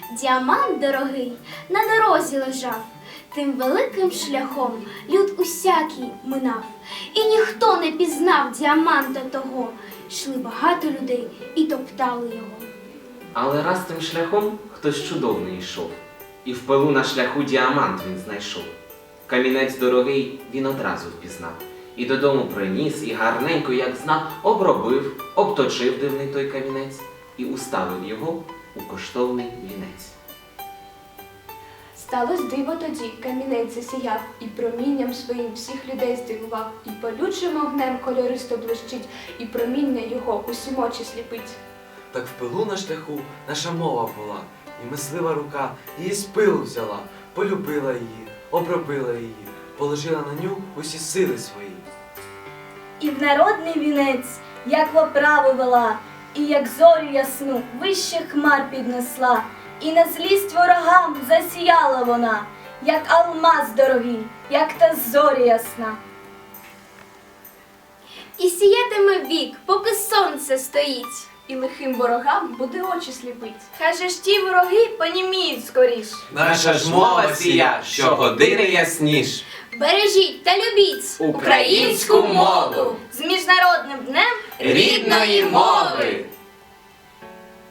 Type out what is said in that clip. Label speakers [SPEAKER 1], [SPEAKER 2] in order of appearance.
[SPEAKER 1] Діамант дорогий на дорозі лежав, тим великим шляхом люд усякий минав. І ніхто не пізнав діаманта того. Йшли багато людей і топтали його.
[SPEAKER 2] Але раз тим шляхом хтось чудовний йшов, і в пилу на шляху діамант він знайшов. Камінець дорогий він одразу впізнав, і додому приніс, і гарненько, як знав, обробив, обточив дивний той камінець і уставив його у коштовний вінець.
[SPEAKER 3] Сталось диво тоді, камінець засіяв, і промінням своїм всіх людей здивував, і палючим огнем кольористо блищить, і проміння його усім очі сліпить.
[SPEAKER 4] Так в пилу на шляху наша мова була, і мислива рука її з пилу взяла, полюбила її, обробила її, положила на ню усі сили свої.
[SPEAKER 5] І в народний вінець, як в оправу вела, і як зорю ясну вище хмар піднесла, і на злість ворогам засіяла вона, як алмаз дорогий, як та зоря ясна.
[SPEAKER 1] І сіятиме вік, поки сонце стоїть.
[SPEAKER 3] І лихим ворогам буде очі сліпить.
[SPEAKER 5] Хай же ж ті вороги поніміють скоріш.
[SPEAKER 6] Наша ж мова сія, щогодини ясніш.
[SPEAKER 1] Бережіть та любіть
[SPEAKER 6] Українську мову
[SPEAKER 5] З міжнародним днем
[SPEAKER 6] рідної мови!